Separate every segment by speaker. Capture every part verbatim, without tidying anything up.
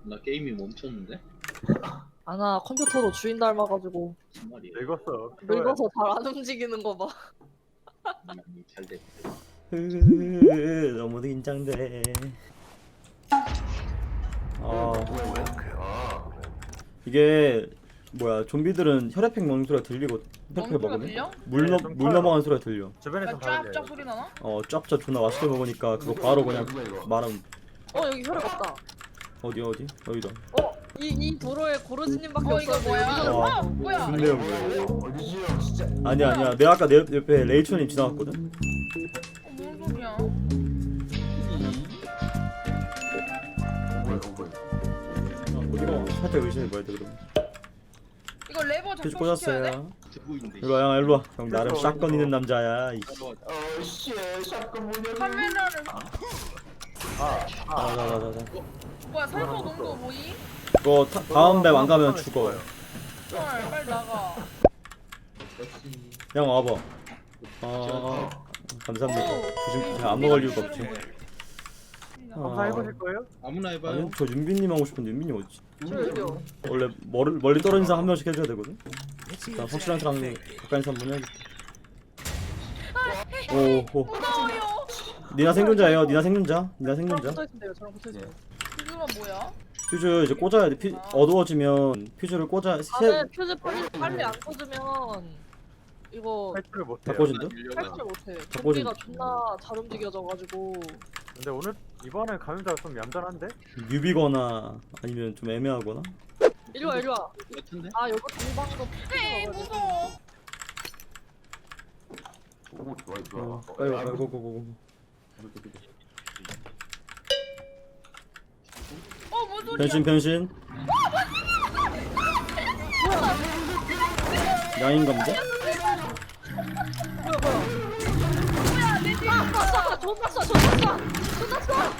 Speaker 1: 나 게임이 멈췄는데?
Speaker 2: 아나 컴퓨터도 주인 닮아가지고
Speaker 1: 무슨 말이야?
Speaker 3: 늙었어.
Speaker 2: 늙어서 잘 안 움직이는 거 봐.
Speaker 1: 음, 잘 됐어.
Speaker 4: 으, 너무 긴장돼. 아 이게 뭐야 좀비들은 혈액팩 먹는 소리가 들리고 혈액팩
Speaker 5: 소리가
Speaker 4: 먹으면
Speaker 5: 들려?
Speaker 4: 물,
Speaker 3: 네,
Speaker 4: 넘,
Speaker 3: 좀
Speaker 4: 물
Speaker 3: 커요.
Speaker 4: 넘어가는 소리가 들려.
Speaker 3: 주변에서 다 들려요.
Speaker 5: 쫙쫙 소리 나나?
Speaker 4: 어 짭짭 존나 맛있게 먹으니까 그거 바로 그냥 말하면
Speaker 2: 어 여기 혈액 없다.
Speaker 4: 어디 어디 여기다.
Speaker 2: 어 이 이 도로에 고르지님밖에
Speaker 5: 어
Speaker 2: 없어.
Speaker 5: 이거 뭐야?
Speaker 4: 와.
Speaker 5: 아 뭐야?
Speaker 4: 근데요 뭐야? 아니야 아니야 내가 아까 내 옆- 옆에 레이천님 지나갔거든.
Speaker 5: 어, 뭔 소리야?
Speaker 4: 어디가 살짝 의심해 봐야 돼 그러면.
Speaker 5: 이거 레버
Speaker 4: 퓨즈
Speaker 5: 작동시켜야 돼?
Speaker 4: 꽂았어요.
Speaker 1: 듣고인데.
Speaker 4: 일로와 형 일로와. 형 나름 샷건 있는 남자야. 이
Speaker 5: 카메라를
Speaker 4: 자자자자.
Speaker 5: 뭐야 살모 농도 뭐이?
Speaker 4: 이거 타, 다음 맵 안 가면 죽어.
Speaker 5: 헐 빨리 나가.
Speaker 4: 형 와봐. 아 감사합니다. 조심 그냥 안 먹을 이유가 없지.
Speaker 3: 한번 해보실 거예요?
Speaker 1: 아무나 해봐요.
Speaker 4: 아니 저 윤빈님 하고 싶은데 윤빈님 어디?
Speaker 2: 저 여기요.
Speaker 4: 원래 멀, 멀리 떨어진 사람 한 명씩 해줘야 되거든. 나 확실한 사람 가까이 있는 사람 분 해야겠다. 오호.
Speaker 5: 무서워요.
Speaker 4: 니나 생존자예요. 니나 생존자. 니나
Speaker 2: 저랑
Speaker 4: 생존자.
Speaker 2: 붙어 있는데요. 저랑 붙어 있어요.
Speaker 5: 이거가 뭐야?
Speaker 4: 퓨즈 이제 꽂아야 돼. 퓨, 어두워지면 퓨즈를 꽂아. 세.
Speaker 2: 나는 퓨즈 빨리 빨리 안 꽂으면 이거
Speaker 3: 탈출을 못
Speaker 4: 다
Speaker 3: 해요.
Speaker 4: 꽂은데?
Speaker 2: 탈출 못해.
Speaker 4: 꽂은-
Speaker 2: 좀비가 존나 잘 움직여져가지고.
Speaker 3: 근데 오늘 이번에 감염자가 좀 얌전한데?
Speaker 4: 뉴비거나 아니면 좀 애매하거나.
Speaker 2: 이리 와 이리 와.
Speaker 1: 같은데?
Speaker 2: 아 여기 동방도
Speaker 5: 에이
Speaker 2: 퓨즈
Speaker 5: 무서워.
Speaker 4: 어, 빨리 와. 빨리 고고고고.
Speaker 5: 어뭔 소리야?
Speaker 4: 변신 변신. 양인감자?
Speaker 2: 뭐야 뭐야. 뭐야 내 뒤에. 아 쏴! 존나 쏴! 존나 쏴! 존나 쏴!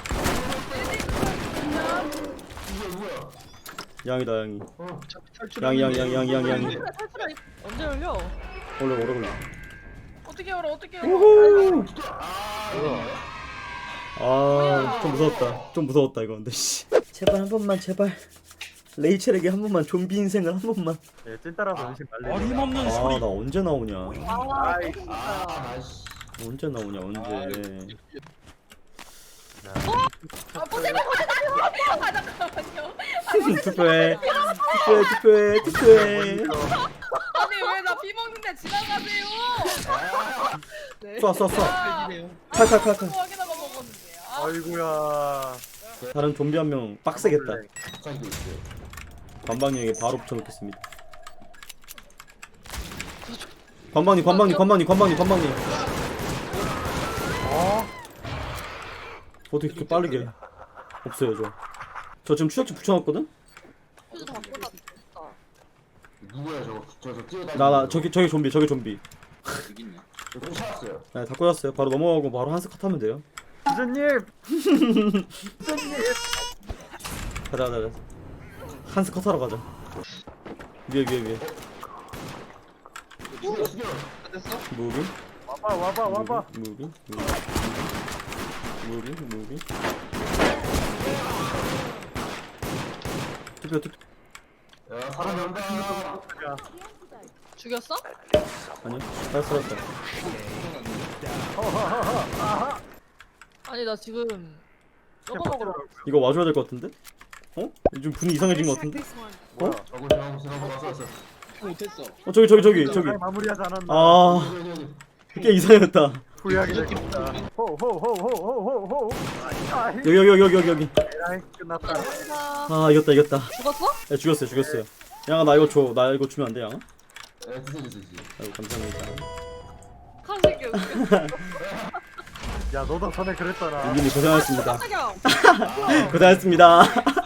Speaker 4: 양이다 양이.
Speaker 1: 탈출.
Speaker 4: 양이 양이 양이 양이 양이 양이.
Speaker 2: 탈출해 탈출해. 언제 열려?
Speaker 4: 원래 오래 걸려.
Speaker 5: 어떻게 열어 어떻게 열어?
Speaker 4: 우후. 아, 좀 무서웠다. 좀 무서웠다 이거 근데 씨. 제발 한 번만 제발. 레이첼에게 한 번만 좀비 인생을 한 번만.
Speaker 3: 예, 찐따라서 음식 말려.
Speaker 6: 어림없는
Speaker 4: 아,
Speaker 6: 소리.
Speaker 4: 나 언제 나오냐?
Speaker 2: 아
Speaker 3: 아이.
Speaker 2: 또 진짜야.
Speaker 4: 언제 나오냐? 언제?
Speaker 5: 아 보세요 보세요 나 이거 아 잠깐만요.
Speaker 4: 투표해. 투표해. 투표해. 투표해.
Speaker 5: 아니 왜 나 비 먹는데 지나가세요?
Speaker 2: 네.
Speaker 4: 쏴, 쏴, 쏴.
Speaker 5: 아,
Speaker 4: 칼칼칼칼.
Speaker 5: 그거 확인하고 먹었는데. 아,
Speaker 3: 아이고야.
Speaker 4: 다른 좀비 한 명 빡세겠다. 관방님에게 바로 붙여놓겠습니다. 관방님, 관방님, 관방님, 관방님, 관방님.
Speaker 3: 어?
Speaker 4: 어떻게 그렇게 빠르게? 없어요 저. 저 지금 추적지 붙여놨거든?
Speaker 2: 퓨즈 다 꽂아.
Speaker 7: 누구야 저거 저저 뛰어다니는
Speaker 4: 나, 나 저기 저기 좀비, 저기 좀비.
Speaker 1: 여기 있네.
Speaker 7: 저 찾았어요.
Speaker 4: 네, 다 꽂았어요. 바로 넘어가고 바로 한스 컷 하면 돼요.
Speaker 3: 기준님!
Speaker 4: 가자, 가자, 가자. 한스 컷 하러 가자. 위에, 위에, 위에.
Speaker 7: 죽여 죽여.
Speaker 1: 됐어?
Speaker 4: 무비,
Speaker 3: 와봐 와봐 와봐.
Speaker 4: 무비, 무비, 무비, 무비, 무비. 투표, 투표.
Speaker 7: 야 사람 연다.
Speaker 3: 야,
Speaker 2: 죽였어?
Speaker 4: 아니요, 알았어, 알았어.
Speaker 3: 허허허허. 아하.
Speaker 2: 아니 나 지금 저거 먹으러.
Speaker 4: 이거 와줘야 될 것 같은데? 어? 요즘 분위 이상해진 것 같은데?
Speaker 3: 뭐야?
Speaker 7: 저거 지나고 지나고 왔어 왔어.
Speaker 1: 못했어.
Speaker 4: 어, 저기, 저기, 저기, 저기.
Speaker 3: 잘 마무리하지 않았나?
Speaker 4: 아,
Speaker 7: 여기 여기 여기.
Speaker 4: 꽤 이상했다.
Speaker 3: 후회하게 되겠다. 호호호호호호호. 아,
Speaker 4: 여기, 여기, 여기, 여기, 여기.
Speaker 3: 에라이 끝났다.
Speaker 2: 감사합니다.
Speaker 4: 아, 이겼다, 이겼다.
Speaker 2: 죽었어?
Speaker 4: 야, 죽였어요, 죽였어요. 양아, 나 이거 줘. 나 이거 주면 안 돼, 양아?
Speaker 7: 에 드세요 드세요.
Speaker 4: 아이고, 감사합니다.
Speaker 2: 카새끼 웃겨.
Speaker 3: 야 너도 전에 그랬잖아.
Speaker 4: 윤빈이 고생하셨습니다.
Speaker 2: 깜짝이야.
Speaker 4: 고생하셨습니다.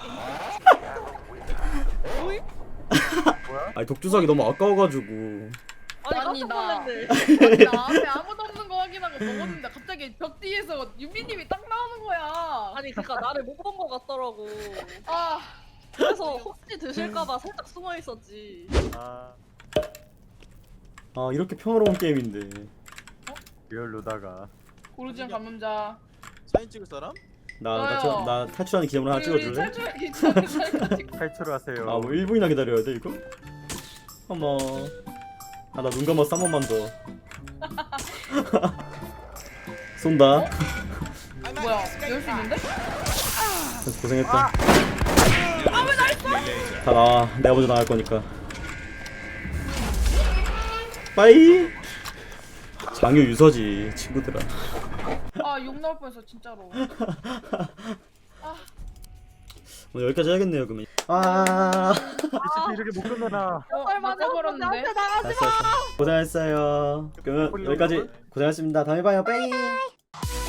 Speaker 2: 오이?
Speaker 4: 아니, 독주사기 너무 아까워가지고.
Speaker 2: 아니
Speaker 5: 아니,
Speaker 2: 깜짝
Speaker 5: 나-
Speaker 2: 놀랐네.
Speaker 5: 아니, 나 앞에 아무도 없는 거 확인하고 먹었는데 갑자기 벽 뒤에서 유빈님이 딱 나오는 거야.
Speaker 2: 아니 그니까 나를 못 본 거 같더라고.
Speaker 5: 아,
Speaker 2: 그래서 혹시 드실까봐 살짝 숨어 있었지.
Speaker 3: 아
Speaker 4: 아, 이렇게 평화로운 게임인데.
Speaker 3: 리얼 루다가.
Speaker 5: 고르지안 감염자.
Speaker 6: 사진 찍을 사람?
Speaker 4: 나, 나,
Speaker 5: 좋아요.
Speaker 4: 저, 나 탈출하는 기념으로 하나
Speaker 5: 우리 우리
Speaker 4: 찍어줄래?
Speaker 5: 탈출하기 전에
Speaker 3: 탈출을 하세요.
Speaker 4: 아 뭐 일 분이나 기다려야 돼 이거? 어머 아 나 눈 감아서 한 번만 더 쏜다
Speaker 5: 뭐야 열 수 있는데?
Speaker 4: 고생했다 다 나와 내가 먼저 나갈 거니까 빠이 장유 유서지 친구들아
Speaker 5: 아욕 나올 뻔했어 진짜로.
Speaker 4: 오늘 여기까지 해야겠네요 그러면 아
Speaker 3: 리시피 이렇게 못 끝내나.
Speaker 5: 어
Speaker 2: 빨리 맞아.
Speaker 5: 맞아버렸는데.
Speaker 2: 나한테 나가지
Speaker 4: 알았어 알았어 고생했어요 그러면 여기까지 고생하셨습니다 다음에 봐요 빠이